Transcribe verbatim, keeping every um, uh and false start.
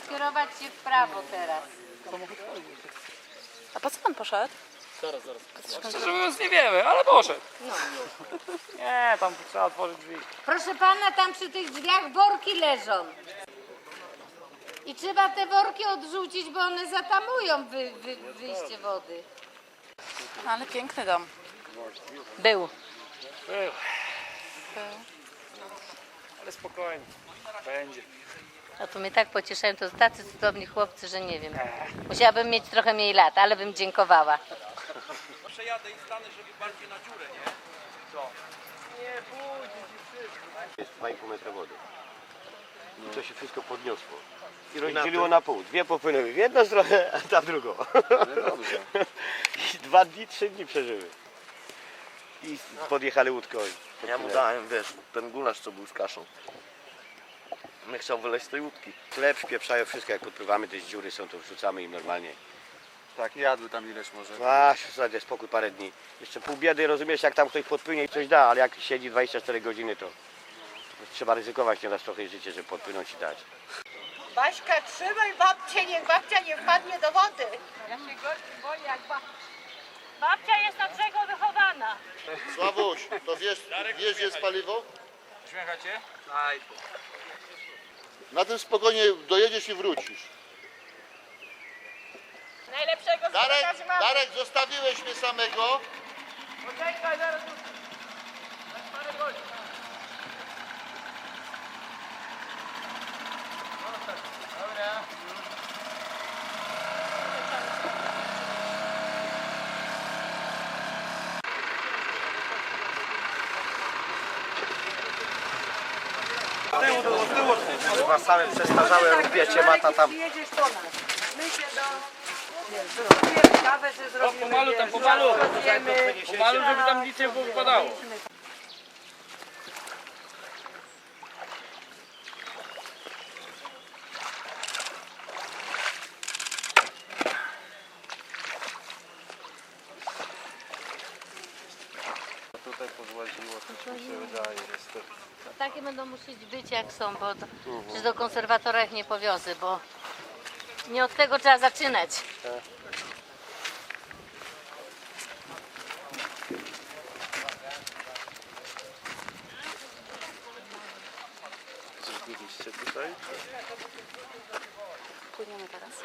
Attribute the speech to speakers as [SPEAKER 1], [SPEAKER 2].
[SPEAKER 1] skierować się w prawo teraz.
[SPEAKER 2] A po co pan poszedł?
[SPEAKER 3] Zaraz, zaraz. Szczerze mówiąc nie wiemy, ale poszedł.
[SPEAKER 1] No.
[SPEAKER 3] Nie, tam trzeba otworzyć drzwi.
[SPEAKER 1] Proszę pana, tam przy tych drzwiach worki leżą. I trzeba te worki odrzucić, bo one zatamują wy, wy, wyjście wody.
[SPEAKER 2] Ale piękny dom.
[SPEAKER 1] Był.
[SPEAKER 3] Był. Ale spokojnie. Będzie.
[SPEAKER 1] No to mnie tak pocieszają, to tacy cudowni chłopcy, że nie wiem. Musiałabym mieć trochę mniej lat, ale bym dziękowała.
[SPEAKER 4] Przejadę i stanę, żeby bardziej na dziurę, nie? Co? Nie, pójdź, wszystko.
[SPEAKER 5] Jest dwa i pół metra wody. I to się wszystko podniosło. I rozdzieliło na pół. Dwie popłynęły w jedną stronę, a ta w drugą. I dwa dni, trzy dni przeżyły. I podjechali łódką.
[SPEAKER 6] Ja mu dałem, wiesz, ten gulasz, co był z kaszą. Nie chciał wyleźć z tej łódki.
[SPEAKER 5] Chleb śpieprzają wszystko, jak podpływamy, te dziury są, to wrzucamy im normalnie.
[SPEAKER 4] Tak, jadły tam ileś może.
[SPEAKER 5] A, zasadzie spokój parę dni. Jeszcze pół biedy, rozumiesz, jak tam ktoś podpłynie i coś da, ale jak siedzi dwadzieścia cztery godziny, to trzeba ryzykować nieraz trochę życie, żeby podpłynąć i dać.
[SPEAKER 7] Baśka, trzymaj babcię, niech babcia nie wpadnie do wody.
[SPEAKER 1] Babcia jest na brzegu wychowana.
[SPEAKER 8] Sławuś, to wiesz, wiesz gdzie jest paliwo?
[SPEAKER 4] Śmiechacie?
[SPEAKER 8] Na tym spokojnie dojedziesz i wrócisz.
[SPEAKER 7] Najlepszego
[SPEAKER 8] Darek,
[SPEAKER 7] z mamy.
[SPEAKER 8] Darek, zostawiłeś mnie samego.
[SPEAKER 4] Poczekaj, zaraz. Dobra.
[SPEAKER 5] Chyba same przestarzałe rupiecie mata tam.
[SPEAKER 7] Jedziesz po nas. My się do... Zrobimy kawę, czy
[SPEAKER 3] No,
[SPEAKER 7] zrobimy...
[SPEAKER 3] pomalu tam, pomalu. Pomalu, żeby tam nic nie wypadało.
[SPEAKER 4] Tutaj pozłaziło, to mi się wydaje, niestety.
[SPEAKER 1] Takie będą musieć być jak są, bo to, przecież do konserwatora ich nie powiozę, bo nie od tego trzeba zaczynać.
[SPEAKER 6] Coś byliście tutaj?
[SPEAKER 2] Płyniemy teraz.